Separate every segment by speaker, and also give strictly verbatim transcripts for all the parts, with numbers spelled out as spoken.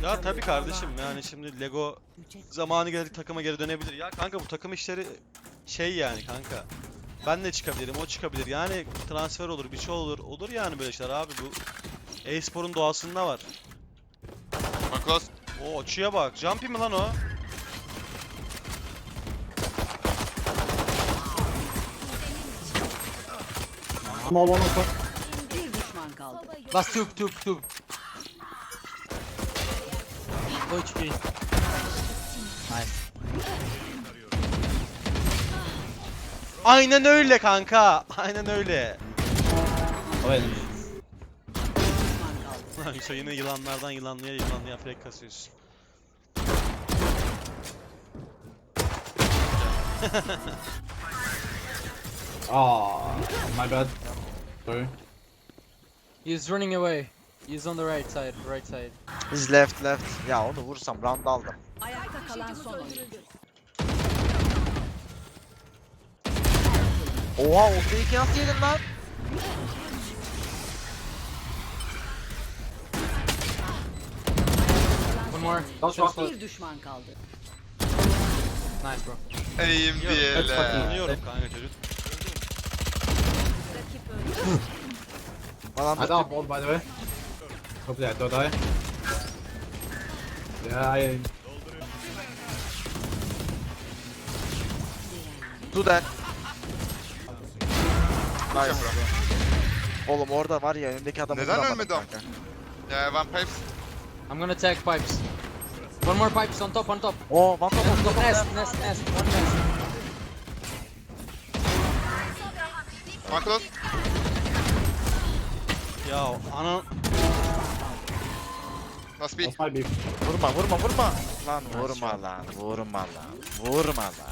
Speaker 1: Ya tabii kardeşim, yani şimdi Lego zamanı gelir takıma geri dönebilir. Ya kanka, bu takım işleri şey yani kanka. Ben de çıkabilirim, o çıkabilir. Yani transfer olur, bir şey olur. Olur yani böyle şeyler abi, bu e-sporun doğasında var.
Speaker 2: One close.
Speaker 1: O açıya bak. Jumpy mi lan o?
Speaker 3: Small one also.
Speaker 4: Bir düşman kaldı.
Speaker 5: Last tube, tube, tube. Low H P. Nice.
Speaker 1: Aynen öyle kanka. Aynen öyle.
Speaker 3: Oh, wait.
Speaker 4: Düşman kaldı.
Speaker 1: Lan Yusuf, yine yılanlardan yılanlıya yılanlıya frek kasıyorsun.
Speaker 3: Oh, my bad. Sorry.
Speaker 5: He's running away. He's on the right side, right side.
Speaker 6: He's left left. Ya onu vursam round aldım.
Speaker 4: Ayakta kalan son oyuncu.
Speaker 6: Oha, o fake'i nasıl yedin lan?
Speaker 5: One more.
Speaker 3: Don't
Speaker 5: Short
Speaker 3: shot.
Speaker 4: Bir düşman kaldı.
Speaker 5: Nice, bro.
Speaker 2: Eğim bir
Speaker 3: Let's fucking-
Speaker 2: ele.
Speaker 1: Anlıyorum kanka çocuk.
Speaker 6: Falan
Speaker 3: I down ball by the way. Hopefully I don't die. Yeah, I.
Speaker 6: do that. Nice. Oğlum orada var ya, önündeki adamı
Speaker 2: Neden
Speaker 6: vuramadım
Speaker 2: ölmedi o?
Speaker 6: kanka.
Speaker 2: Yeah, one pipes.
Speaker 5: I'm gonna tag pipes. One more pipes on top, on top.
Speaker 6: Oo, one top one top.
Speaker 5: Nest, nest, nest. One nest.
Speaker 2: One close.
Speaker 1: Ya ana...
Speaker 2: Last B.
Speaker 3: That's my beef.
Speaker 6: Vurma vurma vurma. Lan vurma lan, vurma lan, vurma lan.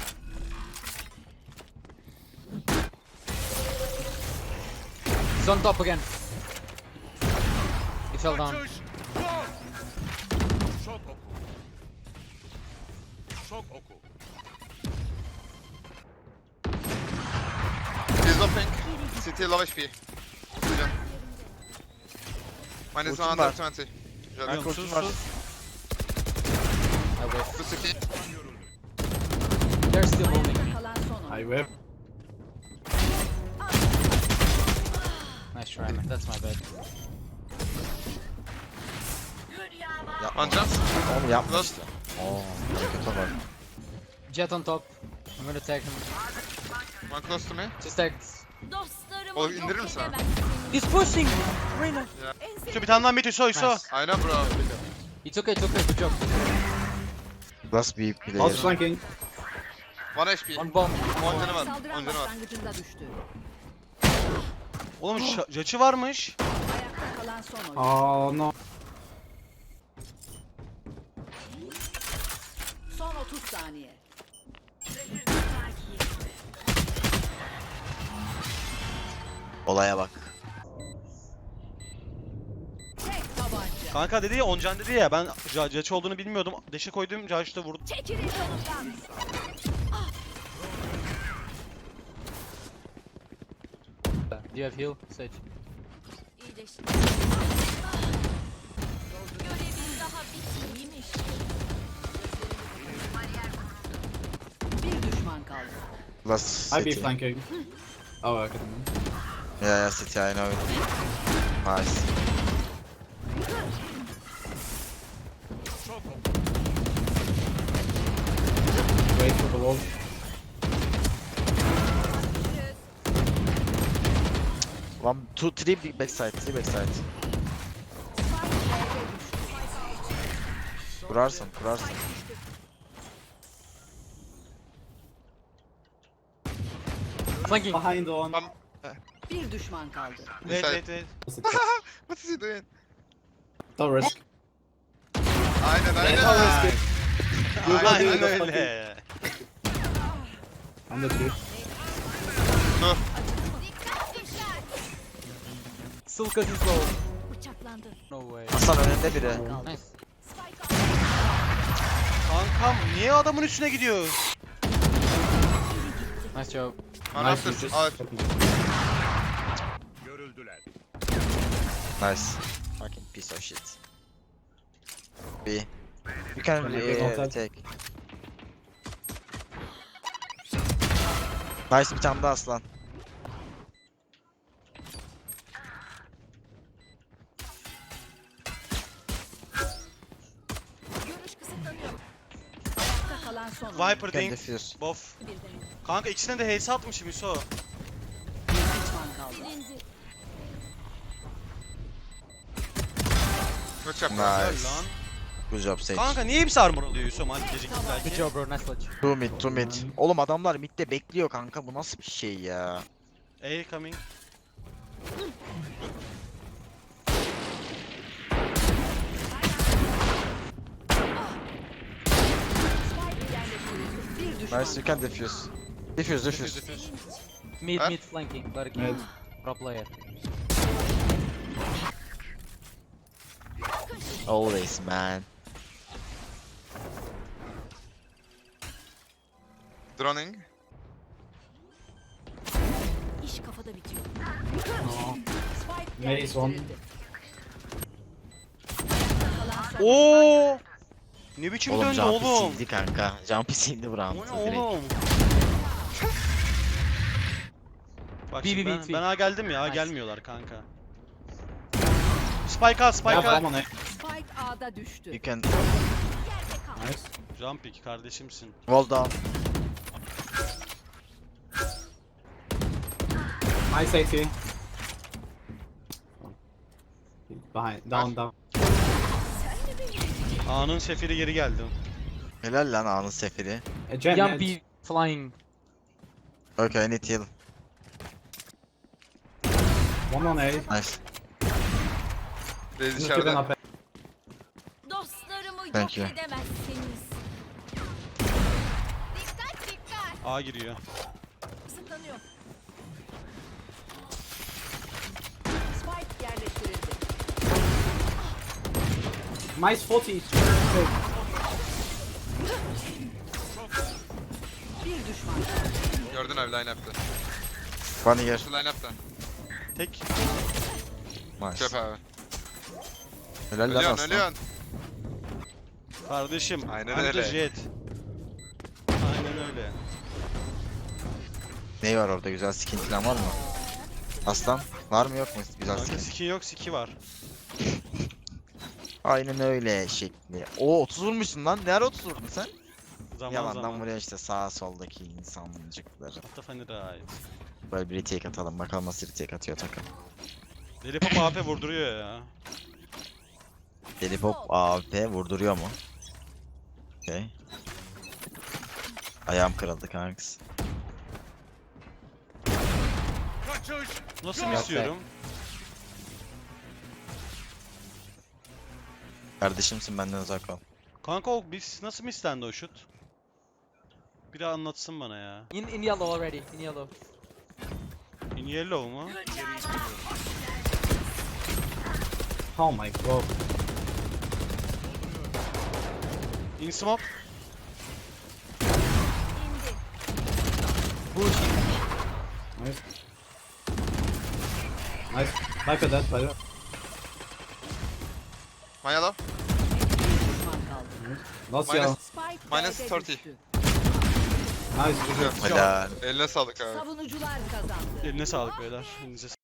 Speaker 5: He's on top again. He fell down.
Speaker 7: Şok oku. Şok oku.
Speaker 2: He's low pink. City low H P. Oxygen. Minus
Speaker 6: Ultim
Speaker 2: one
Speaker 6: var.
Speaker 2: hundred twenty.
Speaker 6: Ben
Speaker 2: Güzel.
Speaker 6: kurtum var.
Speaker 5: I whiff.
Speaker 2: Bu City.
Speaker 5: They're still holding me.
Speaker 4: Kalan son
Speaker 3: I
Speaker 4: oyuncu.
Speaker 3: whip.
Speaker 5: Nice try, man. That's my bad.
Speaker 2: One chance.
Speaker 6: Onu yapma
Speaker 2: Close.
Speaker 6: işte. Oo, kötü var.
Speaker 5: Jet on top. I'm gonna tag him.
Speaker 2: One close to me.
Speaker 5: Just tag.
Speaker 2: Oğlum indirir misin abi?
Speaker 5: He's pushing! Reyna!
Speaker 1: Şu bir tane daha mid Yusuf, Yusuf.
Speaker 5: Nice.
Speaker 2: Aynen bro.
Speaker 5: It's okay, it's okay. Good job.
Speaker 6: Last bir
Speaker 3: Also
Speaker 6: player.
Speaker 3: flanking.
Speaker 2: One H P.
Speaker 5: One bomb.
Speaker 2: On canı var.
Speaker 4: Saldıran
Speaker 2: On canı var.
Speaker 4: başlangıcında düştü.
Speaker 1: Oğlum şa- Jaçı varmış.
Speaker 4: Ayakta kalan son oyuncu.
Speaker 3: Oh no.
Speaker 4: Son otuz saniye.
Speaker 6: Olaya bak.
Speaker 4: Tek tabanca.
Speaker 1: Kanka dedi ya, Oncan dedi ya, ben Ca- Jaçı olduğunu bilmiyordum. Deşe koydum, Jaç'ı da vurdu.
Speaker 4: Çekilin yolundan.
Speaker 5: Do you have heal? Sage.
Speaker 4: Bir düşman kaldı.
Speaker 6: Last
Speaker 3: I be
Speaker 6: city.
Speaker 3: flanking. Oh, okay.
Speaker 6: Yeah, yeah, city, I know it. Nice.
Speaker 3: Wait for the wall.
Speaker 6: One, two, three big backside, three backside. Kurarsın, kurarsın.
Speaker 5: Flanking!
Speaker 3: Behind on.
Speaker 2: One.
Speaker 4: Bir düşman kaldı.
Speaker 1: Wait
Speaker 2: Inside.
Speaker 1: wait wait.
Speaker 2: What is he doing?
Speaker 3: Don't risk.
Speaker 2: Aynen aynen.
Speaker 3: Don't risk it. You go
Speaker 1: Aynen
Speaker 3: do the
Speaker 1: öyle.
Speaker 3: I'm the three.
Speaker 2: Dur.
Speaker 5: Sulkas is low. No way.
Speaker 6: Hasan önünde biri.
Speaker 5: Nice.
Speaker 1: Kankam niye adamın üstüne gidiyor?
Speaker 5: Nice job.
Speaker 2: One
Speaker 3: Nice,
Speaker 2: after.
Speaker 3: you just-
Speaker 2: Aa,
Speaker 7: Görüldüler.
Speaker 6: Nice. Fucking piece of shit. B. You can
Speaker 3: Can I pick
Speaker 6: uh,
Speaker 3: outside?
Speaker 6: take. Nice, bir tane daha aslan.
Speaker 4: Görüş kısıtlanıyor. Ayakta kalan son oyuncu.
Speaker 1: Viper
Speaker 6: You can
Speaker 1: Dink.
Speaker 6: defuse.
Speaker 1: Bof.
Speaker 4: Bir de
Speaker 1: Kanka ikisine de H S atmışım Yusuf.
Speaker 4: bir düşman kaldı.
Speaker 2: Good job.
Speaker 1: Helal
Speaker 6: Nice.
Speaker 1: lan.
Speaker 6: Good job Sage.
Speaker 1: Kanka niye hepsi armor oluyor Yusuf? Hadi geciktik
Speaker 5: Good
Speaker 1: belki.
Speaker 5: job bro, nice clutch.
Speaker 6: Two mid, two mid. Oğlum adamlar midde bekliyor kanka. Bu nasıl bir şey ya?
Speaker 1: A coming.
Speaker 4: Spike yerleştirildi. Bir düşman
Speaker 6: Nice, you can defuse. Defuse, defuse.
Speaker 5: Mid,
Speaker 2: Huh?
Speaker 5: mid flanking, Larky.
Speaker 3: Mid.
Speaker 5: Pro player.
Speaker 6: Always man.
Speaker 2: Droning.
Speaker 4: İş kafada bitiyor.
Speaker 3: No.
Speaker 4: Spike
Speaker 3: Maze one.
Speaker 4: yerleştirildi. Kalan son
Speaker 1: Oo! Ne biçim
Speaker 6: Oğlum
Speaker 1: döndü
Speaker 6: jump'i
Speaker 1: oğlum?
Speaker 6: sildi kanka. Jump'i sildi bu
Speaker 1: O
Speaker 6: round.
Speaker 1: ne
Speaker 6: direkt.
Speaker 1: oğlum? Bak
Speaker 5: B,
Speaker 1: şimdi
Speaker 5: B,
Speaker 1: ben,
Speaker 5: B,
Speaker 1: ben A geldim ya, A
Speaker 5: Nice.
Speaker 1: gelmiyorlar kanka. Spike at, spike
Speaker 3: Yeah,
Speaker 1: at.
Speaker 3: I'm on A.
Speaker 4: Spike A'da düştü.
Speaker 6: You can
Speaker 4: Yerde kal.
Speaker 3: Nice.
Speaker 6: Jump
Speaker 1: Jumpik kardeşimsin.
Speaker 6: wall down.
Speaker 3: Nice A T. Behind. Down, down.
Speaker 1: A'nın sefiri geri geldi.
Speaker 6: Helal lan anın seferi.
Speaker 3: A jet
Speaker 5: Young
Speaker 3: mid.
Speaker 5: B flying.
Speaker 6: Okay, I need heal.
Speaker 3: One on A.
Speaker 6: Nice.
Speaker 2: Reis
Speaker 3: Just
Speaker 2: içeride.
Speaker 3: giving up A.
Speaker 4: Dostlarımı
Speaker 6: Thank
Speaker 4: yok
Speaker 6: you.
Speaker 4: edemezsiniz. Dikkat dikkat.
Speaker 1: A giriyor.
Speaker 4: Kısıtlanıyor. Spike yerleştirildi.
Speaker 3: Nice forty.
Speaker 4: Bir düşman kaldı.
Speaker 2: Gördün abi line up'ta.
Speaker 6: One here.
Speaker 2: Şu line up'ta.
Speaker 1: Tek.
Speaker 6: Nice.
Speaker 2: Çöp abi.
Speaker 6: Helal lan
Speaker 2: Ölüyorsun
Speaker 6: aslan.
Speaker 2: ölüyorsun.
Speaker 1: Kardeşim.
Speaker 2: Aynen
Speaker 1: anti
Speaker 2: öyle.
Speaker 1: jet. Aynen öyle.
Speaker 6: Ney var orada? Güzel skin falan var mı? Aslan var mı yok mu güzel
Speaker 1: Kanka
Speaker 6: skin?
Speaker 1: skin yok, siki var.
Speaker 6: Aynen öyle şekli. Oo otuz vurmuşsun lan. Ne ara otuz vurdun sen?
Speaker 1: Zaman
Speaker 6: Yalandan
Speaker 1: zaman.
Speaker 6: buraya işte sağ soldaki insancıkları.
Speaker 1: Hatta funny right.
Speaker 6: Böyle bir retake atalım. Bakalım nasıl retake atıyor takım.
Speaker 1: Deli Pop A P vurduruyor ya.
Speaker 6: Deli Pop A W P vurduruyor mu? Okey. Ayağım kırıldı kanks.
Speaker 1: Nasıl
Speaker 5: Yok
Speaker 1: mı istiyorum?
Speaker 6: Kardeşimsin benden uzak ol.
Speaker 1: Kanka o biz nasıl mı istendi o şut? Biri anlatsın bana ya.
Speaker 5: In in yellow already. In yellow.
Speaker 1: In yellow mu?
Speaker 3: Oh my god.
Speaker 1: In smoke.
Speaker 3: Nice. Nice. Viper dead, Viper.
Speaker 2: My yellow.
Speaker 4: Bir düşman kaldı.
Speaker 3: Last
Speaker 2: Minus-
Speaker 3: yellow.
Speaker 4: Spike
Speaker 2: Minus
Speaker 4: B'de
Speaker 2: otuz.
Speaker 4: düştü.
Speaker 3: Nice.
Speaker 2: Güzel.
Speaker 6: Helal.
Speaker 2: Eline sağlık abi.
Speaker 4: Savunucular kazandı.
Speaker 1: Eline sağlık beyler. Elinize